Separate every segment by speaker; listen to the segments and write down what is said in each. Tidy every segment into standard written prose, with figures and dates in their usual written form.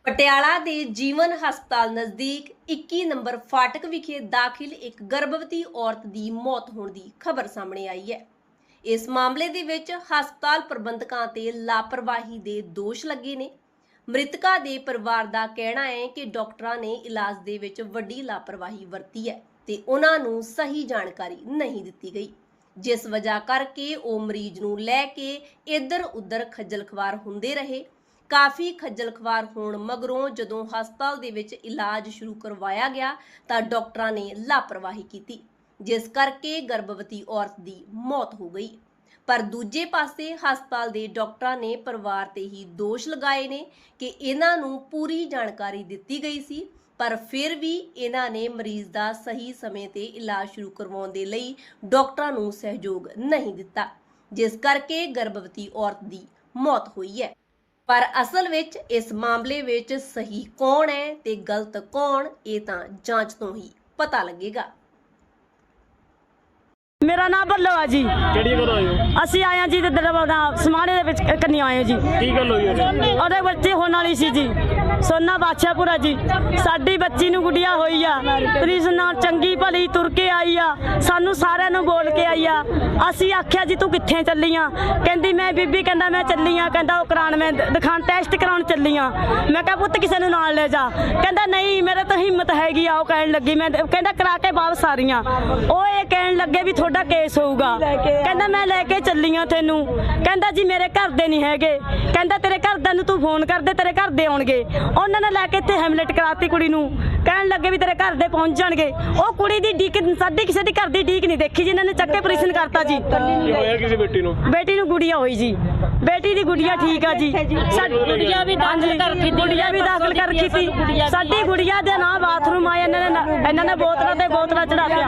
Speaker 1: ਪਟਿਆਲਾ ਦੇ ਜੀਵਨ ਹਸਪਤਾਲ ਨਜ਼ਦੀਕ 21 ਨੰਬਰ ਫਾਟਕ ਵਿਖੇ ਦਾਖਲ ਇੱਕ ਗਰਭਵਤੀ ਔਰਤ ਦੀ ਮੌਤ ਹੋਣ ਦੀ ਖਬਰ ਸਾਹਮਣੇ ਆਈ ਹੈ। ਇਸ ਮਾਮਲੇ ਦੇ ਵਿੱਚ ਹਸਪਤਾਲ ਪ੍ਰਬੰਧਕਾਂ ਤੇ ਲਾਪਰਵਾਹੀ ਦੇ ਦੋਸ਼ ਲੱਗੇ ਨੇ। ਮ੍ਰਿਤਕਾ ਦੇ ਪਰਿਵਾਰ ਦਾ ਕਹਿਣਾ ਹੈ ਕਿ ਡਾਕਟਰਾਂ ਨੇ ਇਲਾਜ ਦੇ ਵਿੱਚ ਵੱਡੀ ਲਾਪਰਵਾਹੀ ਵਰਤੀ ਹੈ ਤੇ ਉਹਨਾਂ ਨੂੰ ਸਹੀ ਜਾਣਕਾਰੀ ਨਹੀਂ ਦਿੱਤੀ ਗਈ, ਜਿਸ ਵਜ੍ਹਾ ਕਰਕੇ ਉਹ ਮਰੀਜ਼ ਨੂੰ ਲੈ ਕੇ ਇੱਧਰ ਉੱਧਰ ਖੱਜਲ ਖਵਾਰ ਹੁੰਦੇ ਰਹੇ। ਕਾਫੀ ਖੱਜਲ ਖਵਾਰ ਹੋਣ ਮਗਰੋਂ ਜਦੋਂ ਹਸਪਤਾਲ ਦੇ ਵਿੱਚ ਇਲਾਜ ਸ਼ੁਰੂ ਕਰਵਾਇਆ ਗਿਆ ਤਾਂ ਡਾਕਟਰਾਂ ਨੇ ਲਾਪਰਵਾਹੀ ਕੀਤੀ, ਜਿਸ ਕਰਕੇ ਗਰਭਵਤੀ ਔਰਤ ਦੀ ਮੌਤ ਹੋ ਗਈ। ਪਰ ਦੂਜੇ ਪਾਸੇ ਹਸਪਤਾਲ ਦੇ ਡਾਕਟਰਾਂ ਨੇ ਪਰਿਵਾਰ ਤੇ ਹੀ ਦੋਸ਼ ਲਗਾਏ ਨੇ ਕਿ ਇਹਨਾਂ ਨੂੰ ਪੂਰੀ ਜਾਣਕਾਰੀ ਦਿੱਤੀ ਗਈ ਸੀ, ਪਰ ਫਿਰ ਵੀ ਇਹਨਾਂ ਨੇ ਮਰੀਜ਼ ਦਾ ਸਹੀ ਸਮੇਂ ਤੇ ਇਲਾਜ ਸ਼ੁਰੂ ਕਰਵਾਉਣ ਦੇ ਲਈ ਡਾਕਟਰਾਂ ਨੂੰ ਸਹਿਯੋਗ ਨਹੀਂ ਦਿੱਤਾ, ਜਿਸ ਕਰਕੇ ਗਰਭਵਤੀ ਔਰਤ ਦੀ ਮੌਤ ਹੋਈ ਹੈ। ਪਰ ਅਸਲ ਵਿੱਚ ਇਸ ਮਾਮਲੇ ਵਿੱਚ ਸਹੀ ਕੌਣ ਹੈ ਤੇ ਗਲਤ ਕੌਣ, ਇਹ ਤਾਂ ਜਾਂਚ ਤੋਂ ਹੀ ਪਤਾ ਲੱਗੇਗਾ।
Speaker 2: मेरा नाम भल्लो है जी।
Speaker 3: ਕਿਹੜੀ ਗੱਲ ਹੋਈ ਹੋ?
Speaker 2: ਅਸੀਂ ਆਏ ਹਾਂ ਜੀ ਸਮਾਣੇ ਦੇ ਵਿੱਚ ਕੰਨੀ ਆਏ ਹਾਂ ਜੀ।
Speaker 3: ਕੀ ਗੱਲ ਹੋਈ ਉਹਦੇ?
Speaker 2: ਉਹਦੇ ਬੱਚੇ ਹੋਣ ਵਾਲੀ ਸੀ ਜੀ। ਸੋਨਾ ਬਾਦਸ਼ਾਹਪੁਰਾ ਜੀ। ਸਾਡੀ ਬੱਚੀ ਨੂੰ ਗੁੱਡੀਆ ਹੋਈ ਆ, ਪ੍ਰੀਸ ਨਾਲ ਚੰਗੀ ਭਲੀ ਤੁਰ ਕੇ ਆਈ ਆ, ਸਾਨੂੰ ਸਾਰਿਆਂ ਨੂੰ ਬੋਲ ਕੇ ਆਈ ਆ। ਅਸੀਂ ਆਖਿਆ ਜੀ ਤੂੰ ਕਿੱਥੇ ਚੱਲੀ ਆ? ਕਹਿੰਦੀ ਮੈਂ ਬੀਬੀ, ਕਹਿੰਦਾ ਮੈਂ ਚੱਲੀ ਆ, ਕਹਿੰਦਾ ਉਹ ਕਰਾਉਣ ਮੈਂ ਦਿਖਾਣ ਟੈਸਟ ਕਰਾਉਣ ਚੱਲੀ ਆ। ਮੈਂ ਕਿਹਾ ਪੁੱਤ ਕਿਸੇ ਨੂੰ ਨਾਲ ਲੈ ਜਾ। ਕਹਿੰਦਾ ਨਹੀਂ ਮੇਰੇ ਤਾਂ ਹਿੰਮਤ ਹੈਗੀ ਆ। ਉਹ ਕਹਿਣ ਲੱਗੀ ਮੈਂ, ਕਹਿੰਦਾ ਕਰਾ ਕੇ ਵਾਪਸ ਆ ਰਹੀ ਆ। ਉਹ ਇਹ ਕਹਿਣ ਲੱਗੇ ਵੀ ਤੁਹਾਡਾ ਕੇਸ ਹੋਊਗਾ। ਕਹਿੰਦਾ ਮੈਂ ਲੈ ਕੇ ਚੱਲੀ ਆ ਤੈਨੂੰ। ਕਹਿੰਦਾ ਜੀ ਮੇਰੇ ਘਰ ਦੇ ਨਹੀਂ ਹੈਗੇ। ਕਹਿੰਦਾ ਤੇਰੇ ਘਰਦਿਆਂ ਨੂੰ ਤੂੰ ਫੋਨ ਕਰ ਦੇ, ਤੇਰੇ ਘਰ ਦੇ ਆਉਣਗੇ। ਉਹਨਾਂ ਨੇ ਲੈ ਕੇ ਇੱਥੇ ਹੈਮਲੇਟ ਕਰਾਤੀ ਕੁੜੀ ਨੂੰ। ਕਹਿਣ ਲੱਗੇ ਵੀ ਤੇਰੇ ਘਰ ਦੇ ਪਹੁੰਚ ਜਾਣਗੇ। ਉਹ ਕੁੜੀ ਦੀ ਡੀਕ ਸਾਡੀ ਕਿਸੇ ਦੀ ਘਰ ਦੀ ਡੀਕ ਨਹੀਂ ਦੇਖੀ ਜੀ, ਇਹਨਾਂ ਨੇ ਚੱਕੇ ਆਪਰੇਸ਼ਨ ਕਰਤਾ ਜੀ।
Speaker 3: ਕੀ ਹੋਇਆ ਕਿਸੇ ਬੇਟੀ ਨੂੰ?
Speaker 2: ਬੇਟੀ ਨੂੰ ਗੁੜੀਆ ਹੋਈ ਜੀ। ਬੇਟੀ ਦੀ ਗੁੜੀਆ ਠੀਕ ਆ ਜੀ। ਸਾਡੀ ਗੁੜੀਆ ਵੀ ਦਾਖਲ ਕਰ ਰੱਖੀ ਸੀ। ਸਾਡੀ ਗੁੜੀਆ ਦੇ ਨਾਂ ਬਾਥਰੂਮ ਆਏ, ਇਹਨਾਂ ਨੇ ਬੋਤਲਾਂ ਤੇ ਬੋਤਲਾਂ ਚੜਾਤੀਆਂ।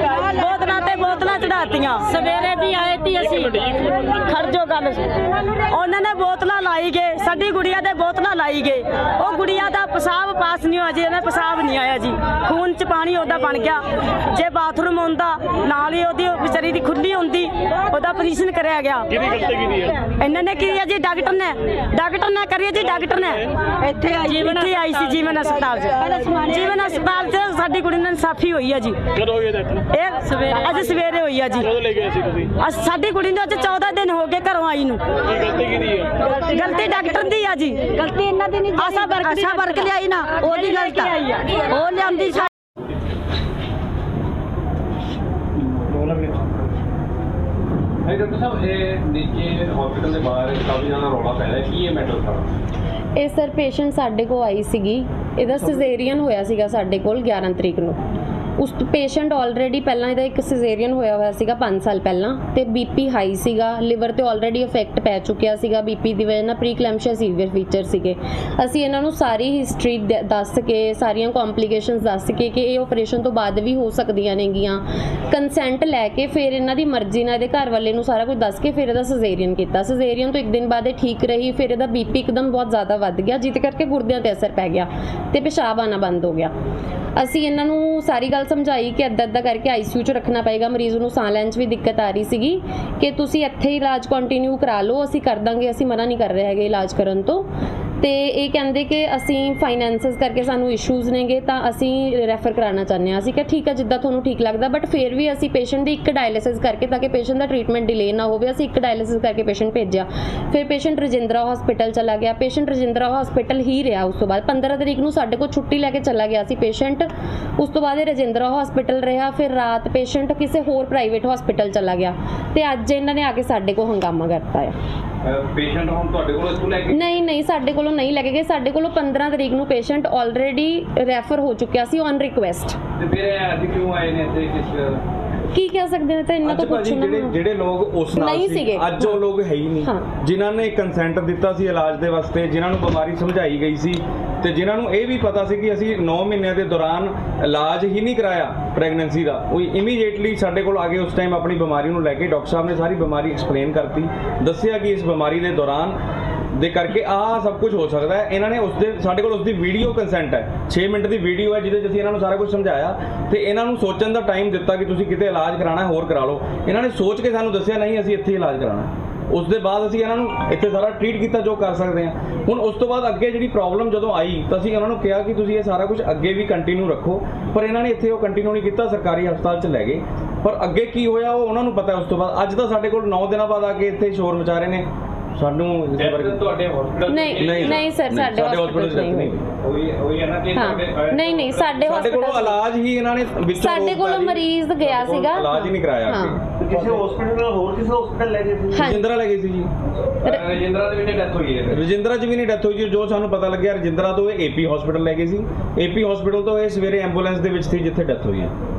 Speaker 2: ਸਵੇਰੇ ਵੀ ਆਏ ਤੀ ਅਸੀਂ। ਖੜ ਜੋ ਗੱਲ। ਉਹਨਾਂ ਨੇ ਬੋਤਲਾਂ ਲਾਈ ਗਏ, ਸਾਡੀ ਗੁੜੀਆ ਦੇ ਬੋਤਲਾਂ ਲਾਈ ਗਏ। ਉਹ ਗੁੜੀਆ ਦਾ ਪਿਸ਼ਾਬ ਪਾਸ ਨਹੀਂ ਹੋਇਆ ਜੀ, ਇਹਨਾਂ ਪਿਸ਼ਾਬ ਨਹੀਂ ਆਇਆ ਜੀ। ਖੂਨ ਚ ਪਾਣੀ ਉਹਦਾ ਬਣ ਗਿਆ। ਜੇ ਬਾਥਰੂਮ ਹੁੰਦਾ ਨਾਲ ਹੀ ਉਹਦੀ ਵਿਚਾਰੀ ਦੀ ਖੁੱਲੀ ਹੁੰਦੀ, ਉਹਦਾ ਆਪਰੇਸ਼ਨ ਕਰਿਆ ਗਿਆ।
Speaker 3: ਕਿਹਦੀ ਗਲਤੀ ਕੀਤੀ ਹੈ?
Speaker 2: ਇਹਨਾਂ ਨੇ ਕੀ ਹੈ ਜੀ, ਡਾਕਟਰ ਨੇ ਕਰੀ ਜੀ। ਡਾਕਟਰ ਨੇ ਇੱਥੇ ਆਈ ਸੀ ਜੀਵਨ ਹਸਪਤਾਲ 'ਚ। ਜੀਵਨ ਹਸਪਤਾਲ 'ਚ ਸਾਡੀ ਕੁੜੀ ਨਾਲ ਇਨਸਾਫੀ ਹੋਈ ਹੈ ਜੀ।
Speaker 3: ਕਦੋਂ ਹੋਈ ਇਹ?
Speaker 2: ਅੱਜ ਸਵੇਰੇ ਹੋਈ ਆ ਜੀ।
Speaker 3: ਕਦੋਂ ਲੈ ਗਏ ਸੀ ਤੁਸੀਂ?
Speaker 2: ਸਾਡੀ ਕੁੜੀ ਨੂੰ ਅੱਜ 14 ਦਿਨ ਹੋ ਗਏ ਘਰੋਂ ਆਈ ਨੂੰ।
Speaker 3: ਕੀ ਗਲਤੀ ਕੀਤੀ ਹੈ?
Speaker 2: ਗਲਤੀ ਡਾਕਟਰ ਦੀ ਆ ਜੀ।
Speaker 4: ਗਲਤੀ ਇਹਨਾਂ ਦੀ ਨਹੀਂ, ਆਸ਼ਾ ਵਰਕ ਲਿਆਈ ਨਾ, ਉਹਦੀ ਗਲਤੀ ਆ। ਉਹ ਲਿਆਂਦੀ
Speaker 5: ਡਾਕਟਰ ਸਾਹਿਬ, ਇਹ ਨੀਚੇ ਹਸਪੀਟਲ ਦੇ ਬਾਹਰ ਕਾਫੀ ਜ਼ਿਆਦਾ ਰੌਲਾ ਪੈ ਰਿਹਾ, ਕੀ ਇਹ ਮੈਟਰ ਸਾਰਾ?
Speaker 6: ਇਹ ਸਰ ਪੇਸ਼ੈਂਟ ਸਾਡੇ ਕੋਲ ਆਈ ਸੀਗੀ। ਇਹਦਾ ਸਿਜ਼ੇਰੀਅਨ ਹੋਇਆ ਸੀਗਾ ਸਾਡੇ ਕੋਲ 11 ਤਰੀਕ ਨੂੰ। ਉਸ ਪੇਸ਼ੈਂਟ ਆਲਰੇਡੀ ਪਹਿਲਾਂ ਇਹਦਾ ਇੱਕ ਸਿਜ਼ੇਰੀਅਨ ਹੋਇਆ ਸੀਗਾ 5 ਸਾਲ ਪਹਿਲਾਂ, ਤੇ ਬੀਪੀ ਹਾਈ ਸੀਗਾ, ਲਿਵਰ ਤੇ ਆਲਰੇਡੀ ਇਫੈਕਟ ਪੈ ਚੁੱਕਿਆ ਸੀਗਾ ਬੀਪੀ ਦੀ ਵਜ੍ਹਾ ਨਾਲ। ਪ੍ਰੀਕਲੈਂਪਸ਼ੀਆ ਸੀਵੀਅਰ ਫੀਚਰ ਸੀਗੇ। ਅਸੀਂ ਇਹਨਾਂ ਨੂੰ ਸਾਰੀ ਹਿਸਟਰੀ ਦੱਸ ਕੇ, ਸਾਰੀਆਂ ਕੰਪਲਿਕੇਸ਼ਨਸ ਦੱਸ ਕੇ ਕਿ ਇਹ ਆਪਰੇਸ਼ਨ ਤੋਂ ਬਾਅਦ ਵੀ ਹੋ ਸਕਦੀਆਂ ਨੇਗੀਆਂ, ਕੰਸੈਂਟ ਲੈ ਕੇ ਫਿਰ ਇਹਨਾਂ ਦੀ ਮਰਜ਼ੀ ਨਾਲ ਇਹਦੇ ਘਰ ਵਾਲੇ ਨੂੰ ਸਾਰਾ ਕੁਝ ਦੱਸ ਕੇ ਫਿਰ ਇਹਦਾ ਸਿਜ਼ੇਰੀਅਨ ਕੀਤਾ। ਸਿਜ਼ੇਰੀਅਨ ਤੋਂ 1 ਦਿਨ ਬਾਅਦ ਇਹ ਠੀਕ ਰਹੀ, ਫਿਰ ਇਹਦਾ ਬੀਪੀ ਇੱਕਦਮ ਬਹੁਤ ਜ਼ਿਆਦਾ ਵੱਧ ਗਿਆ, ਜਿਹਦੇ ਕਰਕੇ ਗੁਰਦਿਆਂ ਤੇ ਅਸਰ ਪੈ ਗਿਆ ਤੇ ਪਿਸ਼ਾਬ ਆਉਣਾ ਬੰਦ ਹੋ ਗਿਆ। ਅਸੀਂ ਇਹਨਾਂ ਨੂੰ ਸਾਰੀ ਗੱਲ ਸਮਝਾਈ ਕਿ ਇੱਦਾਂ ਕਰਕੇ ਆਈਸੀਯੂ 'ਚ ਰੱਖਣਾ ਪਏਗਾ, ਮਰੀਜ਼ ਨੂੰ ਸਾਹ ਲੈਣ 'ਚ ਵੀ ਦਿੱਕਤ ਆ ਰਹੀ ਸੀਗੀ, ਕਿ ਤੁਸੀਂ ਇੱਥੇ ਹੀ ਇਲਾਜ ਕੰਟੀਨਿਊ ਕਰਾ ਲਓ, ਅਸੀਂ ਕਰ ਦਾਂਗੇ, ਅਸੀਂ ਮਨਾ ਨਹੀਂ ਕਰ ਰਹੇ ਹੈਗੇ ਇਲਾਜ ਕਰਨ ਤੋਂ। ਤੇ ਇਹ ਕਹਿੰਦੇ ਕਿ ਅਸੀਂ ਫਾਈਨੈਂਸਿਸ ਕਰਕੇ ਸਾਨੂੰ ਇਸ਼ੂਜ਼ ਨੇਗੇ, ਤਾਂ ਅਸੀਂ ਰੈਫਰ ਕਰਾਉਣਾ ਚਾਹੁੰਦੇ ਹਾਂ। ਅਸੀਂ ਕਿਹਾ ਠੀਕ ਹੈ, ਜਿੱਦਾਂ ਤੁਹਾਨੂੰ ਠੀਕ ਲੱਗਦਾ, ਬਟ ਫਿਰ ਵੀ ਅਸੀਂ ਪੇਸ਼ੈਂਟ ਦੀ ਇੱਕ ਡਾਇਲਿਸਿਸ ਕਰਕੇ, ਤਾਂ ਕਿ ਪੇਸ਼ੈਂਟ ਦਾ ਟ੍ਰੀਟਮੈਂਟ ਡਿਲੇ ਨਾ ਹੋਵੇ, ਅਸੀਂ ਇੱਕ ਡਾਇਲਿਸਿਸ ਕਰਕੇ ਪੇਸ਼ੈਂਟ ਭੇਜਿਆ। ਫਿਰ ਪੇਸ਼ੈਂਟ ਰਜਿੰਦਰਾ ਹਸਪੀਟਲ ਚਲਾ ਗਿਆ। ਪੇਸ਼ੈਂਟ ਰਜਿੰਦਰਾ ਹਸਪੀਟਲ ਹੀ ਰਿਹਾ। ਉਸ ਤੋਂ ਬਾਅਦ 15 ਤਰੀਕ ਨੂੰ ਸਾਡੇ ਕੋਲ ਛੁੱਟੀ ਲੈ ਕੇ ਚਲਾ ਗਿਆ ਸੀ ਪੇਸ਼ੈਂਟ। ਉਸ ਤੋਂ ਬਾਅਦ ਇਹ ਰਜਿੰਦਰਾ ਹਸਪੀਟਲ ਰਿਹਾ। ਫਿਰ ਰਾਤ ਪੇਸ਼ੈਂਟ ਕਿਸੇ ਹੋਰ ਪ੍ਰਾਈਵੇਟ ਹਸਪੀਟਲ ਚਲਾ ਗਿਆ ਤੇ ਅੱਜ ਇਹਨਾਂ ਨੇ ਆ ਕੇ ਸਾਡੇ ਕੋਲ ਹੰਗਾਮਾ ਕਰਤਾ ਹੈ।
Speaker 5: ਪੇਸ਼ੈਂਟ ਹੁਣ ਤੁਹਾਡੇ ਕੋਲ ਇੱਥੋਂ ਲੈ ਕੇ?
Speaker 6: ਨਹੀਂ, ਸਾਡੇ ਕੋਲੋਂ ਨਹੀਂ ਲੈ ਕੇ ਗਏ। ਸਾਡੇ ਕੋਲੋਂ 15 ਤਰੀਕ ਨੂੰ ਪੇਸ਼ੈਂਟ ਆਲਰੇਡੀ ਰੈਫਰ ਹੋ ਚੁੱਕਿਆ ਸੀ ਔਨ ਰਿਕੁਐਸਟ।
Speaker 5: ਤੇ ਫਿਰ ਅੱਜ ਕਿਉਂ ਆਏ ਨੇ ਇੱਥੇ?
Speaker 6: ਕੀ ਕਹਿ ਸਕਦੇ ਨੇ, ਤਾਂ ਇਹਨਾਂ ਤੋਂ ਪੁੱਛਣਾ।
Speaker 7: ਜਿਹੜੇ ਲੋਕ ਉਸ ਨਾਲ
Speaker 6: ਨਹੀਂ
Speaker 7: ਸੀ,
Speaker 6: ਸੀਗੇ,
Speaker 7: ਅੱਜ ਉਹ ਲੋਕ ਹੈ ਹੀ ਨਹੀਂ, ਜਿਨ੍ਹਾਂ ਨੇ ਕੰਸੈਂਟ ਦਿੱਤਾ ਸੀ ਇਲਾਜ ਦੇ ਵਾਸਤੇ, ਜਿਨ੍ਹਾਂ ਨੂੰ ਬਿਮਾਰੀ ਸਮਝਾਈ ਗਈ ਸੀ ਤੇ ਜਿਨ੍ਹਾਂ ਨੂੰ ਇਹ ਵੀ ਪਤਾ ਸੀ ਕਿ ਅਸੀਂ 9 ਮਹੀਨਿਆਂ ਦੇ ਦੌਰਾਨ ਇਲਾਜ ਹੀ ਨਹੀਂ ਕਰਾਇਆ ਪ੍ਰੈਗਨੈਂਸੀ ਦਾ, ਉਹ ਇਮੀਡੀਏਟਲੀ ਸਾਡੇ ਕੋਲ ਆ ਗਏ। ਉਸ ਟਾਈਮ ਆਪਣੀ ਬਿਮਾਰੀ ਨੂੰ ਲੈ ਕੇ ਡਾਕਟਰ ਸਾਹਿਬ ਨੇ ਸਾਰੀ ਬਿਮਾਰੀ ਐਕਸਪਲੇਨ ਕਰਤੀ, ਦੱਸਿਆ ਕਿ ਇਸ ਬਿਮਾਰੀ ਦੇ ਦੌਰਾਨ ਦੇ ਕਰਕੇ ਆਹ ਸਭ ਕੁਝ ਹੋ ਸਕਦਾ ਹੈ। ਇਹਨਾਂ ਨੇ ਸਾਡੇ ਕੋਲ ਉਸਦੀ ਵੀਡੀਓ ਕੰਸੈਂਟ ਹੈ, 6 ਮਿੰਟ ਦੀ ਵੀਡੀਓ ਹੈ, ਜਿਹਦੇ 'ਚ ਅਸੀਂ ਇਹਨਾਂ ਨੂੰ ਸਾਰਾ ਕੁਝ ਸਮਝਾਇਆ ਤੇ ਇਹਨਾਂ ਨੂੰ ਸੋਚਣ ਦਾ ਟਾਈਮ ਦਿੱਤਾ ਕਿ ਤੁਸੀਂ ਕਿਤੇ ਇਲਾਜ ਕਰਾਉਣਾ ਹੋਰ ਕਰਾ ਲਓ। ਇਹਨਾਂ ਨੇ ਸੋਚ ਕੇ ਸਾਨੂੰ ਦੱਸਿਆ ਨਹੀਂ ਅਸੀਂ ਇੱਥੇ ਇਲਾਜ ਕਰਾਉਣਾ। ਉਸ ਦੇ ਬਾਅਦ ਅਸੀਂ ਇਹਨਾਂ ਨੂੰ ਇੱਥੇ ਸਾਰਾ ਟ੍ਰੀਟ ਕੀਤਾ ਜੋ ਕਰ ਸਕਦੇ ਹਾਂ। ਹੁਣ ਉਸ ਤੋਂ ਬਾਅਦ ਅੱਗੇ ਜਿਹੜੀ ਪ੍ਰੋਬਲਮ ਜਦੋਂ ਆਈ ਤਾਂ ਅਸੀਂ ਉਹਨਾਂ ਨੂੰ ਕਿਹਾ ਕਿ ਤੁਸੀਂ ਇਹ ਸਾਰਾ ਕੁਝ ਅੱਗੇ ਵੀ ਕੰਟੀਨਿਊ ਰੱਖੋ, ਪਰ ਇਹਨਾਂ ਨੇ ਇੱਥੇ ਉਹ ਕੰਟੀਨਿਊ ਨਹੀਂ ਕੀਤਾ, ਸਰਕਾਰੀ ਹਸਪਤਾਲ 'ਚ ਲੈ ਗਏ। ਪਰ ਅੱਗੇ ਕੀ ਹੋਇਆ ਉਹ ਉਹਨਾਂ ਨੂੰ ਪਤਾ। ਉਸ ਤੋਂ ਬਾਅਦ ਅੱਜ ਤਾਂ ਸਾਡੇ ਕੋਲ 9 ਦਿਨਾਂ ਬਾਅਦ ਆ ਕੇ ਇੱਥੇ ਸ਼ੋਰ ਮਚਾ ਰਹੇ ਨੇ ਸਾਨੂੰ ਇਸ ਬਾਰੇ।
Speaker 5: ਤੁਹਾਡੇ ਹਸਪੀਟਲ
Speaker 6: ਨਹੀਂ ਸਰ, ਸਾਡੇ ਹਸਪੀਟਲ 'ਚ ਨਹੀਂ
Speaker 5: ਉਹੀ ਹੈ ਨਾ ਕਿ
Speaker 6: ਨਹੀਂ ਸਾਡੇ
Speaker 7: ਸਾਡੇ ਕੋਲੋਂ
Speaker 6: ਹਸਪੀਟਲ
Speaker 7: ਇਲਾਜ ਹੀ ਇਹਨਾਂ ਨੇ ਵਿੱਚੋਂ
Speaker 6: ਸਾਡੇ ਕੋਲੋਂ ਮਰੀਜ਼ ਗਿਆ ਸੀਗਾ,
Speaker 7: ਇਲਾਜ ਹੀ ਨਹੀਂ ਕਰਾਇਆ।
Speaker 8: ਕਿਸੇ ਹਸਪੀਟਲ ਨਾਲ ਹੋਰ ਕਿਸੇ ਹਸਪੀਟਲ ਲੈ ਗਏ ਸੀ?
Speaker 7: ਰਜਿੰਦਰਾ ਲੈ ਗਏ ਸੀ ਜੀ।
Speaker 5: ਰਜਿੰਦਰਾ ਦੇ ਵਿੱਚ ਡੈਥ ਹੋਈ ਹੈ।
Speaker 7: ਰਜਿੰਦਰਾ 'ਚ ਵੀ ਨਹੀਂ ਡੈਥ ਹੋਈ ਜੀ। ਜੋ ਸਾਨੂੰ ਪਤਾ ਲੱਗਿਆ ਰਜਿੰਦਰਾ ਤੋਂ ਇਹ ਏਪੀ ਹਸਪੀਟਲ ਲੈ ਗਏ ਸੀ। ਏਪੀ ਹਸਪੀਟਲ ਤੋਂ ਇਹ ਸਵੇਰੇ ਐਂਬੂਲੈਂਸ ਦੇ ਵਿੱਚ ਸੀ ਜਿੱਥੇ ਡੈਥ ਹੋਈ ਹੈ।